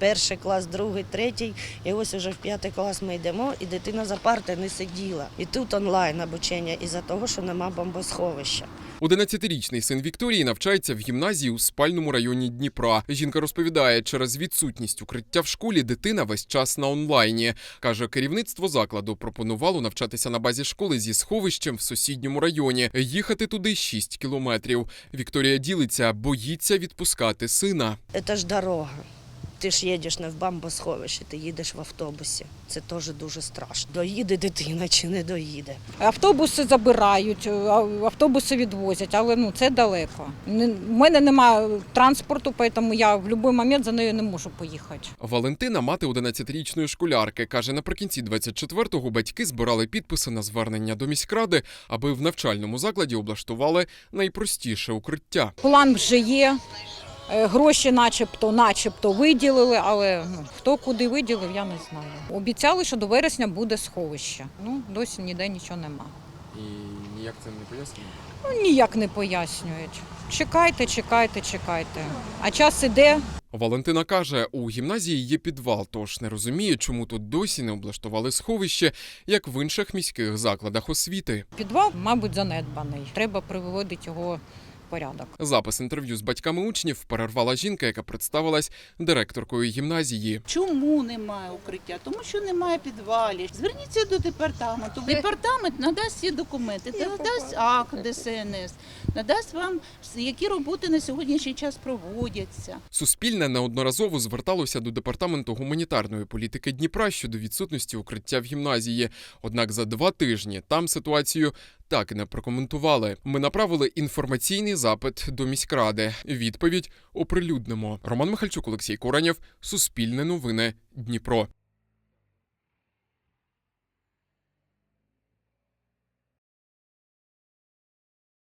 перший клас, другий, третій. І ось уже в 5 клас ми йдемо, і дитина за парти не сиділа. І тут онлайн обучення із-за того, що нема бомбосховища. 11-річний син Вікторії навчається в гімназії у спальному районі Дніпра. Жінка розповідає, через відсутність укриття в школі дитина весь час на онлайні. Каже, керівництво закладу пропонувало навчатися на базі школи зі сховищем в сусідньому районі. Їхати туди 6 кілометрів. Вікторія ділиться, боїться відпускати сина. Це ж дорога. Ти ж їдеш не в бомбосховище, ти їдеш в автобусі. Це теж дуже страшно. Доїде дитина чи не доїде. Автобуси забирають, автобуси відвозять, але це далеко. У мене немає транспорту, тому я в будь-який момент за нею не можу поїхати. Валентина – мати 11-річної школярки. Каже, наприкінці 24-го батьки збирали підписи на звернення до міськради, аби в навчальному закладі облаштували найпростіше укриття. План вже є. Гроші начебто виділили, але хто куди виділив, я не знаю. Обіцяли, що до вересня буде сховище. Досі ніде нічого нема. І ніяк це не пояснює? Ніяк не пояснюють. Чекайте. А час іде. Валентина каже, у гімназії є підвал, тож не розуміє, чому тут досі не облаштували сховище, як в інших міських закладах освіти. Підвал, мабуть, занедбаний. Треба приводити його порядок. Запис інтерв'ю з батьками учнів перервала жінка, яка представилась директоркою гімназії. Чому немає укриття? Тому що немає підвалів. Зверніться до департаменту. Департамент надасть всі документи, надасть акт ДСНС, надасть вам, які роботи на сьогоднішній час проводяться. Суспільне неодноразово зверталося до Департаменту гуманітарної політики Дніпра щодо відсутності укриття в гімназії. Однак за 2 тижні там ситуацію так і не прокоментували. Ми направили інформаційний запит до міськради. Відповідь оприлюднимо. Роман Михальчук, Олексій Куранєв, Суспільне новини, Дніпро.